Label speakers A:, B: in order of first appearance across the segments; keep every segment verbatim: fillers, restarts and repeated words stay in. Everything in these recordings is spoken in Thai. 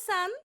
A: さん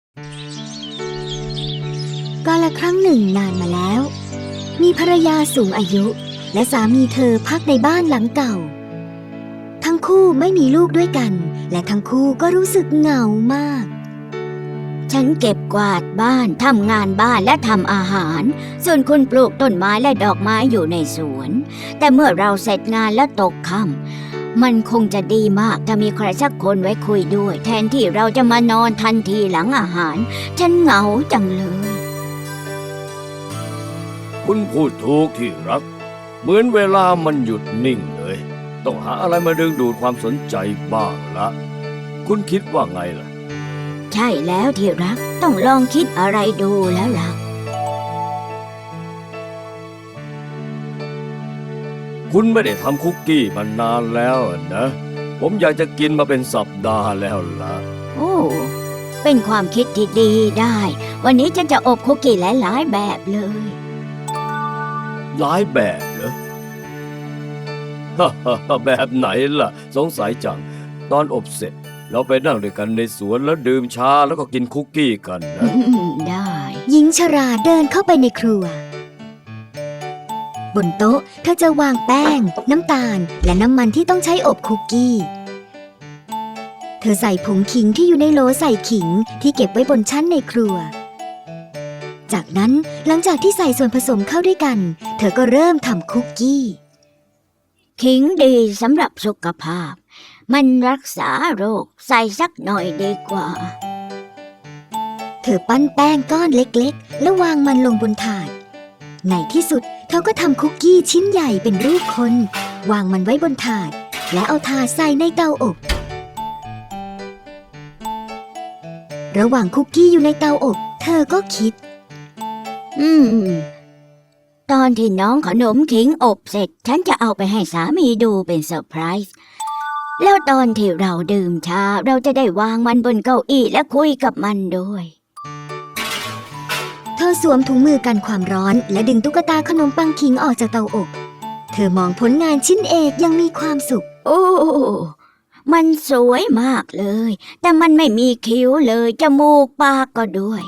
B: กาลครั้งหนึ่งนานมาแล้วมีภรรยาสูงอายุและสามีเธอพักในบ้านหลังเก่าทั้งคู่ไม่มีลูกด้วยกันและทั้งคู่ก็รู้สึกเหงามาก
C: ฉันเก็บกวาดบ้านทำงานบ้านและทำอาหารส่วนคุณปลูกต้นไม้และดอกไม้อยู่ในสวนแต่เมื่อเราเสร็จงานและตกค่ำมันคงจะดีมากถ้ามีใครสักคนไว้คุยด้วยแทนที่เราจะมานอนทันทีหลังอาหารฉันเหงาจังเลย
D: คุณพูดถูกที่รักเหมือนเวลามันหยุดนิ่งเลยต้องหาอะไรมาดึงดูดความสนใจบ้างละคุณคิดว่าไงล่ะ
C: ใช่แล้วที่รักต้องลองคิดอะไรดูแล้วล่ะ
D: คุณไม่ได้ทำคุกกี้มานานแล้วนะผมอยากจะกินมาเป็นสัปดาห์แล้วล่ะ
C: โอ้เป็นความคิดที่ดีได้วันนี้ฉันจะอบคุกกี้หลายๆแบบเลย
D: หลายแบบเหรอ แบบไหนล่ะสงสัยจังตอนอบเสร็จเราไปนั่งด้วยกันในสวนแล้วดื่มชาแล้วก็กินคุกกี้กันนะ
C: ได้
B: หญิงชราเดินเข้าไปในครัวบนโต๊ะเธอจะวางแป้งน้ำตาลและน้ำมันที่ต้องใช้อบคุกกี้เธอใส่ผงขิงที่อยู่ในโหลใส่ขิงที่เก็บไว้บนชั้นในครัวจากนั้นหลังจากที่ใส่ส่วนผสมเข้าด้วยกันเธอก็เริ่มทำคุกกี้
C: ขิงดีสำหรับสุขภาพมันรักษาโรคใส่สักหน่อยดีกว่า
B: เธอปั้นแป้งก้อนเล็กๆแล้ววางมันลงบนถาดในที่สุดเธอก็ทำคุกกี้ชิ้นใหญ่เป็นรูปคนวางมันไว้บนถาดและเอาถาดใส่ในเตาอบระหว่างคุกกี้อยู่ในเตาอบเธอก็คิด
C: อืมตอนที่น้องขนมขิงอบเสร็จฉันจะเอาไปให้สามีดูเป็นเซอร์ไพรส์แล้วตอนที่เราดื่มชาเราจะได้วางมันบนเก้าอี้และคุยกับมันด้วย
B: เธอสวมถุงมือกันความร้อนและดึงตุ๊กตาขนมปังขิงออกจากเตาอบเธอมองผลงานชิ้นเอกยังมีความสุข
C: โอ้มันสวยมากเลยแต่มันไม่มีคิ้วเลยจมูกปากก็ด้วย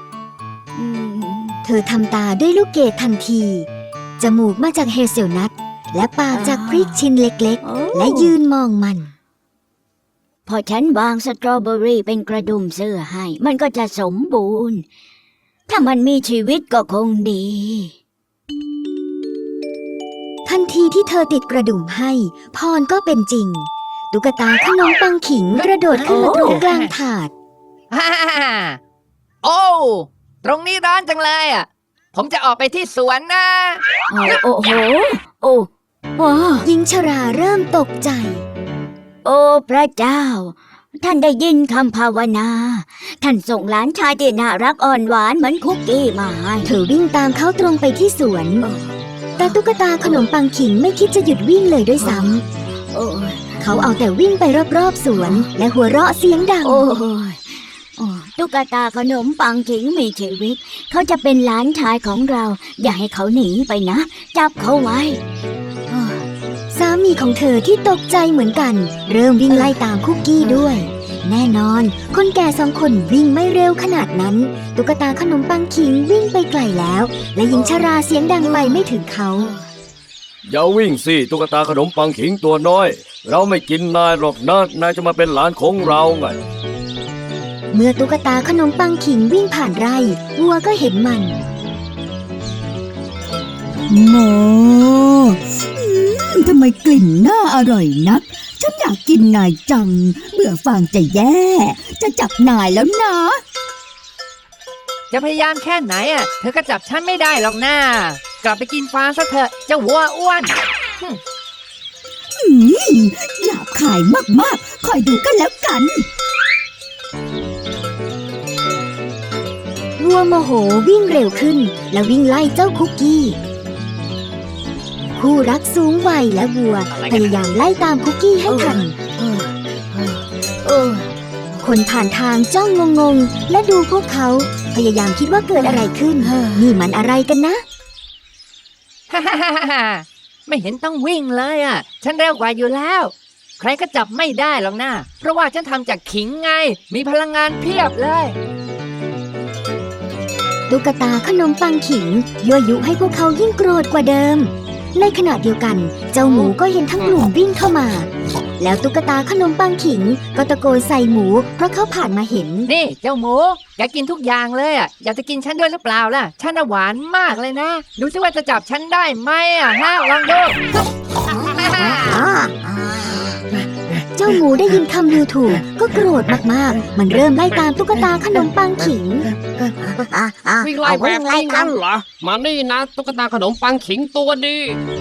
B: เธอทำตาด้วยลูกเกดทันทีจมูกมาจากเฮเซลนัทและปากจากพริกชิ้นเล็กๆและยืนมองมัน
C: พอฉันวางสตรอเบอรี่เป็นกระดุมเสื้อให้มันก็จะสมบูรณ์ถ้ามันมีชีวิตก็คงดี
B: ทันทีที่เธอติดกระดุมให้พรก็เป็นจริงตุ๊กตาขนมปังขิงกระโดดขึ้นมาตรงกลางถาด
E: ฮ่าโอ้ตรงนี้ร้อนจังเลยอ่ะผมจะออกไปที่สวนนะ
C: โอ้โหโอ้โอ้
B: หญิงชราเริ่มตกใจ
C: โอ้พระเจ้าท่านได้ยินคำภาวนาท่านส่งหลานชายที่น่ารักอ่อนหวานเหมือนคุกกี้มาให้
B: เธอวิ่งตามเขาตรงไปที่สวนแต่ตุ๊กตาขนมปังขิงไม่คิดจะหยุดวิ่งเลยด้วยซ้ำเขาเอาแต่วิ่งไปรอบๆสวนและหัวเราะเสียงดัง
C: โอ้ตุ๊กตาขนมปังขิงมีชีวิตเขาจะเป็นหลานชายของเราอย่าให้เขาหนีไปนะจับเขาไว้
B: สามีของเธอที่ตกใจเหมือนกันเริ่มวิ่งไล่ตามคุกกี้ด้วยแน่นอนคนแก่สองคนวิ่งไม่เร็วขนาดนั้นตุ๊กตาขนมปังขิงวิ่งไปไกลแล้วและหญิงชราเสียงดังไปไม่ถึงเขา
D: อย่าวิ่งสิตุ๊กตาขนมปังขิงตัวน้อยเราไม่กินนายหรอกนะนายจะมาเป็นหลานของเราไง
B: เมื่อตุ๊กตาขนมปังขิงวิ่งผ่านไร่วัวก็เห็นมัน
F: โมทำไมกลิ่นน่าอร่อยนักฉันอยากกินนายจังเบื่อฟางจะแย่จะจับนายแล้วนะ
E: จะพยายามแค่ไหนอ่ะเธอก็จับฉันไม่ได้หรอกนะกลับไปกินฟางซะเถอะเจ้าวัวอ้วน
F: หยาบคายมากๆคอยดูกันแล้วกัน
B: วัวโมโหวิ่งเร็วขึ้นและวิ่งไล่เจ้าคุกกี้คู่รักสูงวัยและวัวพยายามไล่ตามคุกกี้ให้ทันคนผ่านทางจ้องงงๆและดูพวกเขาพยายามคิดว่าเกิดอะไรขึ้นนี่มันอะไรกันนะ
E: ฮ่าฮ่าฮ่าไม่เห็นต้องวิ่งเลยอ่ะฉันเร็วกว่าอยู่แล้วใครก็จับไม่ได้หรอกนะเพราะว่าฉันทำจากขิงไง มีพลังงานเพียบเลย
B: ตุ๊กตาขนมปังขิงยั่วยุให้พวกเขายิ่งโกรธกว่าเดิม ในขณะเดียวกัน เจ้าหมูก็เห็นทั้งกลุ่มวิ่งเข้ามา แล้วตุ๊กตาขนมปังขิงก็ตะโกนใส่หมูเพราะเขาผ่านมาเห็น
E: นี่เจ้าหมูแกกินทุกอย่างเลยอ่ะอยากจะกินฉันด้วยหรือเปล่าล่ะฉันน่ะหวานมากเลยนะ ดูซิว่าจะจับฉันได้ไหมอ่ะฮะลองดู
B: เจ้าหมูได้ยินคำดูถูกก็โกรธมากๆ มันเริ่มไล่ตามตุ๊กตาขนมปังขิง
A: วิ่งไล่แบบนี้งั้นเหรอ มานี่นะตุ๊กตาขนมปังขิงตัวดี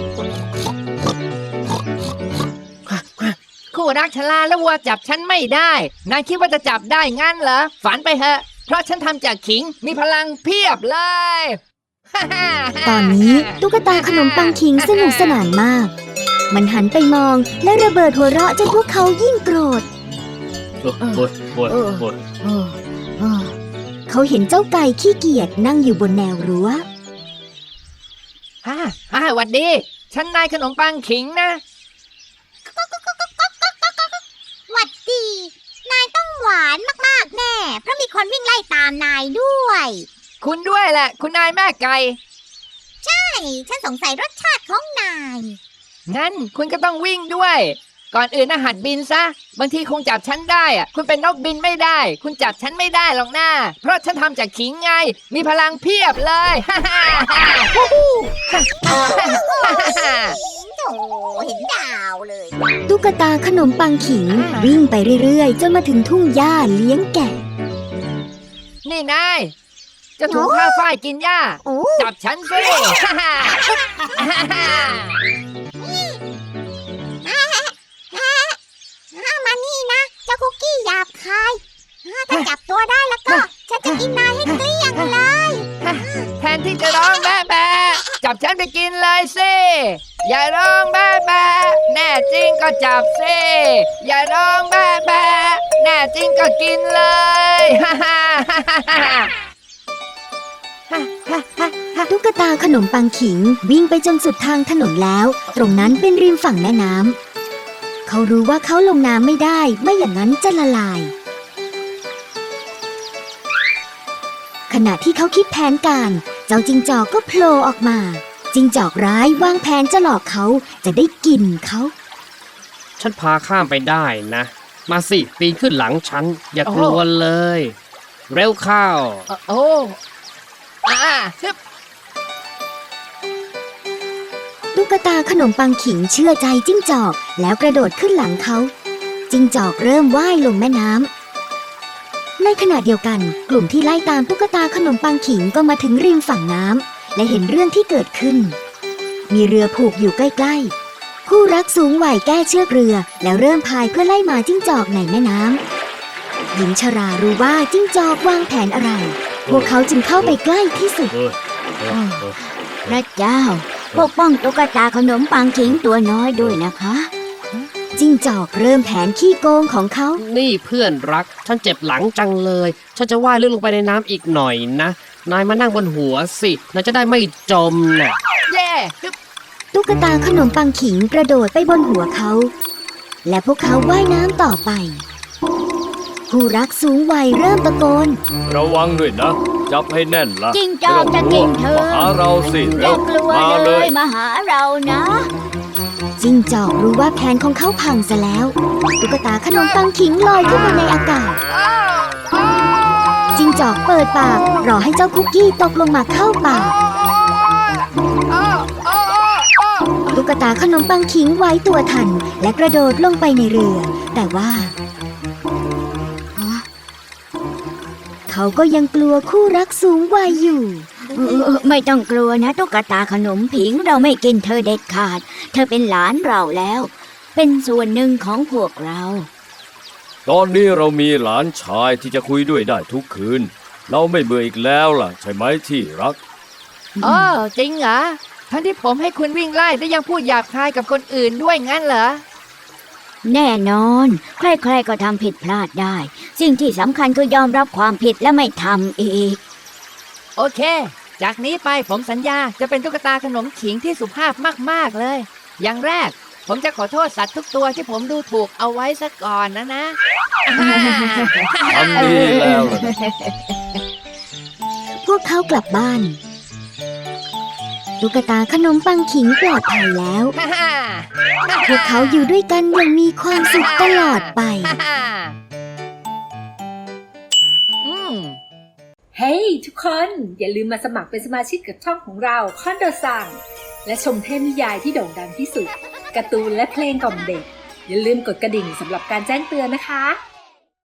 E: คู่รักชลาและวัวจับฉันไม่ได้นายคิดว่าจะจับได้งั้นเหรอฝันไปเถอะเพราะฉันทำจากขิงมีพลังเพียบเลย
B: ตอนนี้ตุ๊กตาขนมปังขิงสนุกสนานมาก มันหันไปมองและระเบิดหัวเราะจนพวกเขายิ่งโกรธ
D: โอ้ยโอ้ยโอ้ยโอ้ย
B: เขาเห็นเจ้าไก่ขี้เกียจนั่งอยู่บนแนวรั้ว
E: ฮ่าฮ่าหวัดดี ฉันนายขนมปังขิงนะ
G: หวัดดี นายต้องหวานมากๆแน่ เพราะมีคนวิ่งไล่ตามนายด้วย
E: คุณด้วยแหละ คุณนายแม่ไก่
G: ใช่ ฉันสงสัยรสชาติของนาย
E: งั้นคุณก็ต้องวิ่งด้วย ก่อนอื่นนะหัดบินซะ บางทีคงจับฉันได้อะคุณเป็นนกบินไม่ได้ คุณจับฉันไม่ได้หรอกนะเพราะฉันทำจากขิงไง มีพลังเพียบเลย ฮ่าฮ่าฮ่าฮู้ฮู้ฮ่าฮ่าฮ่า
G: โถเห็นดาวเลย
B: ตุ๊กตาขนมปังขิงวิ่งไปเรื่อยๆจนมาถึงทุ่งหญ้าเลี้ยงแกะ
E: นี่นายจะถูกข้าฝ้ายกินหญ้า
G: โอ้
E: จับฉันสิฮ่าฮ่าฮ่าฮ่า
G: ห้ามมานี่นะ เจ้าคุกกี้หยาบคายถ้าจับตัวได้แล้วก็ ฉันจะกินนายให้เกลี้ยงเลย
E: แทนที่จะร้องแบ๊ะแบ๊ะจับฉันไปกินเลยสิอย่าร้องแบ๊ะแบ๊ะแน่จริงก็จับสิอย่าร้องแบ๊ะแบ๊ะแน่จริงก็กินเลยฮ่าฮ่าฮ่าฮ่า
B: ตุ๊กตาขนมปังขิงวิ่งไปจนสุดทางถนนแล้ว ตรงนั้นเป็นริมฝั่งแม่น้ำเขารู้ว่าเขาลงน้ำไม่ได้ไม่อย่างนั้นจะละลาย ขณะที่เขาคิดแผนการ เจ้าจิงจอกก็โผล่ออกมา จิงจอกร้ายวางแผนจะหลอกเขาจะได้กินเขา
A: ฉันพาข้ามไปได้นะ มาสิปีนขึ้นหลังฉัน อย่ากลัวเลย เร็วเข้า
E: โอ้อ่าฮึบ
B: ตุ๊กตาขนมปังขิงเชื่อใจจิ้งจอกแล้วกระโดดขึ้นหลังเขา จิ้งจอกเริ่มว่ายลงแม่น้ำในขณะเดียวกันกลุ่มที่ไล่ตามตุ๊กตาขนมปังขิงก็มาถึงริมฝั่งน้ำและเห็นเรื่องที่เกิดขึ้น มีเรือผูกอยู่ใกล้ๆคู่รักสูงวัยแก้เชือกเรือแล้วเริ่มพายเพื่อไล่หมาจิ้งจอกในแม่น้ำหญิงชรารู้ว่าจิ้งจอกวางแผนอะไร พวกเขาจึงเข้าไปใกล้ที่สุด
D: เอ้ยเอ้ยเอ้ย
C: พระเจ้า ปกป้องตุ๊กตาขนมปังขิงตัวน้อยด้วยนะคะ
B: จิ้งจอกเริ่มแผนขี้โกงของเขา
A: นี่เพื่อนรัก ฉันเจ็บหลังจังเลย ฉันจะว่ายลึกลงไปในน้ำอีกหน่อยนะ นายมานั่งบนหัวสิ นายจะได้ไม่จมน่ะ
E: เย่ฮึบ
B: ตุ๊กตาขนมปังขิงกระโดดไปบนหัวเขา และพวกเขาว่ายน้ำต่อไป ผู้รักสูงวัยเริ่มตะโกน
D: ระวังด้วยนะ จับให้แน่นละ
C: จิ้งจอกจะกินเธอ
D: มาหาเราสิ
C: อ
D: เร็
C: ย่าว กลัว
D: มา
C: เล
D: เลย
C: ยมาหาเรานะ
B: จิ้งจอกรู้ว่าแผนของเขาพังซะแล้ว ตุ๊กตาขนมปังขิงลอยขึ้นมาในอากาศ จิ้งจอกเปิดปากรอให้เจ้าคุกกี้ตกลงมาเข้าปาก ตุ๊กตาขนมปังขิงไว้ตัวทันและกระโดดลงไปในเรือ แต่ว่าเขาก็ยังกลัวคู่รักสูงวัยอยู่
C: เออไม่ต้องกลัวนะตุ๊กตาขนมผิงเราไม่กินเธอเด็ดขาด เธอเป็นหลานเราแล้ว เป็นส่วนหนึ่งของพวกเรา
D: ตอนนี้เรามีหลานชายที่จะคุยด้วยได้ทุกคืน เราไม่เบื่ออีกแล้วล่ะ ใช่ไหมที่รัก
E: อ๋อจริงเหรอทั้งที่ผมให้คุณวิ่งไล่และยังพูดหยาบคายกับคนอื่นด้วยงั้นเหรอ
C: แน่นอน ใครๆก็ทำผิดพลาดได้ สิ่งที่สำคัญคือยอมรับความผิดและไม่ทำอีก
E: โอเค จากนี้ไปผมสัญญาจะเป็นตุ๊กตาขนมขิงที่สุภาพมากๆเลย อย่างแรกผมจะขอโทษสัตว์ทุกตัวที่ผมดูถูกเอาไว้ซะก่อนนะนะ
D: ทำดีแล้วล่ะนะ
B: พวกเขากลับบ้าน ตุ๊กตาขนมปังขิงปลอดภัยแล้ว พวกเขาอยู่ด้วยกันอย่างมีความสุขตลอดไป
E: อืม
H: เฮ้ยทุกคนอย่าลืมมาสมัครเป็นสมาชิกกับช่องของเราคอนโดซังและชมเทพนิยายที่โด่งดังที่สุดการ์ตูนและเพลงกล่อมเด็ก อย่าลืมกดกระดิ่งสำหรับการแจ้งเตือนนะคะ